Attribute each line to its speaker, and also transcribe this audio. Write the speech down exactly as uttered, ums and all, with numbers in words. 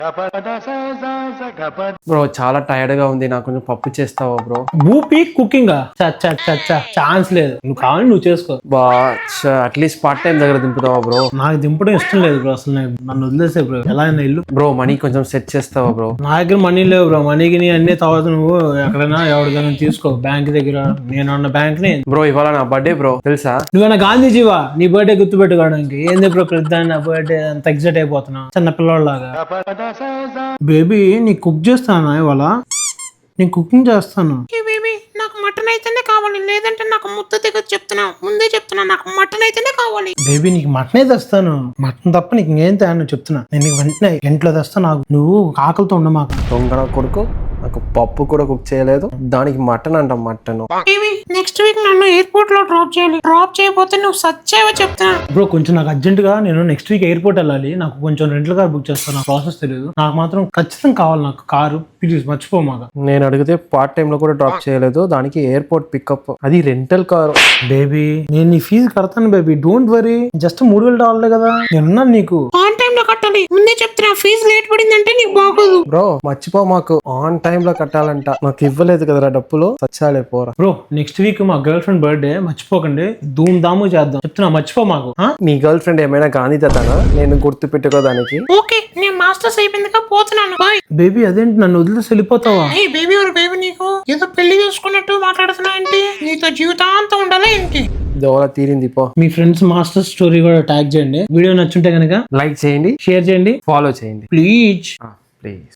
Speaker 1: Bro చాలా tired గా ఉంది, నాకు కొంచెం పప్పు చేస్తావా బ్రో?
Speaker 2: భూపి కుకింగ్ ఛాన్స్ లేదు, నువ్వు కావాలి నువ్వు చేసుకో.
Speaker 1: బా అట్లీస్ట్ పార్ట్ టైం దగ్గర దింపుతావా బ్రో?
Speaker 2: నాకు దింపడం ఇష్టం లేదు బ్రో, అసలు నాకు నన్ను వదిలేసే బ్రో. ఎలా అయినా ఇల్లు
Speaker 1: బ్రో మనీ కొంచెం సెట్ చేస్తావా బ్రో?
Speaker 2: నా దగ్గర మనీ లేవు బ్రో, మనీకి నీ అన్ని తర్వాత నువ్వు ఎక్కడైనా ఎవరికైనా తీసుకో, బ్యాంక్ దగ్గర. నేను ఉన్న బ్యాంక్ ని.
Speaker 1: బ్రో ఇవాళ నా బర్త్డే బ్రో, తెలుసా?
Speaker 2: నువ్వేనా గాంధీజీవా? నీ బర్త్డే గుర్తు పెట్టుకోవడానికి ఏంది బ్రో ప్రతి నా బర్త్డే అంత ఎగ్జైట్ అయిపోతున్నా చిన్న పిల్లలాగా. బేబీ నీ కుక్ చేస్తానా ఇవాళ? నేను కుకింగ్ చేస్తాను.
Speaker 3: బేబీ నాకు మటన్ అయితేనే కావాలి, లేదంటే నాకు ముద్ద దగ్గర చెప్తున్నా, ముందే చెప్తున్నా, నాకు మటన్ అయితేనే కావాలి.
Speaker 2: బేబీ నీకు మటనే తెస్తాను, మటన్ తప్ప నీకు ఇంకేం తేను చెప్తున్నా. నేను నీకు వెంటనే ఇంట్లో తెస్తాను, నాకు నువ్వు ఆకలితో ఉండ మాకు.
Speaker 1: దొంగ కొడుకు, నాకు పప్పు కూడా కుక్ చేయలేదు, దానికి మటన్ అంటాం మటన్.
Speaker 3: బేబీ నెక్స్ట్ వీక్ నన్ను ఎయిర్పోర్ట్ లో డ్రాప్ చేయాలి, డ్రాప్ చేయకపోతే నువ్వు సచ్చేవో చెప్తున్నా.
Speaker 2: బ్రో కొంచెం నాకు అర్జెంట్ గా నేను నెక్స్ట్ వీక్ ఎయిర్పోర్ట్ వెళ్ళాలి, నాకు కొంచెం రెంట్ల కార్ బుక్ చేస్తాను, నాకు ప్రాసెస్ తెలియదు. నాకు మాత్రం ఖచ్చితంగా కావాలి నాకు కారు, ప్లీజ్ మర్చిపో మాకు.
Speaker 1: నేను అడిగితే పార్ట్ టైం లో కూడా డ్రాప్ చేయలేదు, దానికి ఎయిర్పోర్ట్ పికప్, అది రెంటల్ కారు.
Speaker 2: బేబీ నేను నీ ఫీజు కడతాను బేబీ, డోంట్ వరీ, జస్ట్ మూడు వేల డాలర్లే కదా, నేనున్నాను నీకు.
Speaker 3: ఆన్ టైం లో కట్టాలి, ముందే చెప్తున్నా, ఫీజు లేట్ పడిందంటే నీకు బాగోదు.
Speaker 1: బ్రో మర్చిపో మాకు, ఆన్ టైం లో కట్టాలంట, నాకు ఇవ్వలేదు కదరా డబ్బులు, సచ్చాలే పోరా.
Speaker 2: బ్రో నెక్స్ట్ వీక్ మా గర్ల్ ఫ్రెండ్ బర్త్డే, మర్చిపోకండి, ధూమ్ ధాము చేద్దాం చెప్తున్నా, మర్చిపో మాకు.
Speaker 1: నీ గర్ల్ ఫ్రెండ్ ఏమైనా గానీ తన నేను గుర్తు పెట్టుకోదానికి?
Speaker 3: ఓకే నేను మాస్టర్స్ అయిపోయిందిగా పోతున్నాను, బాయ్.
Speaker 2: బేబీ అదేంటి నన్ను వదిలేసి వెళ్ళిపోతావా?
Speaker 3: ఏ బేబీ ఎవరు బేబీ, నీకు ఏదో పెళ్లి చేసుకున్నట్టు మాట్లాడుతున్నా ఏంటి? నీతో జీవితాంతం ఉండాలా ఏంటి?
Speaker 1: దోల తీరింది పో.
Speaker 2: మీ ఫ్రెండ్స్ మాస్టర్ స్టోరీ కూడా ట్యాగ్ చేయండి, వీడియో నచ్చుంటే కనుక
Speaker 1: లైక్ చేయండి,
Speaker 2: షేర్ చేయండి,
Speaker 1: ఫాలో చేయండి
Speaker 2: ప్లీజ్.
Speaker 1: ప్లీజ్.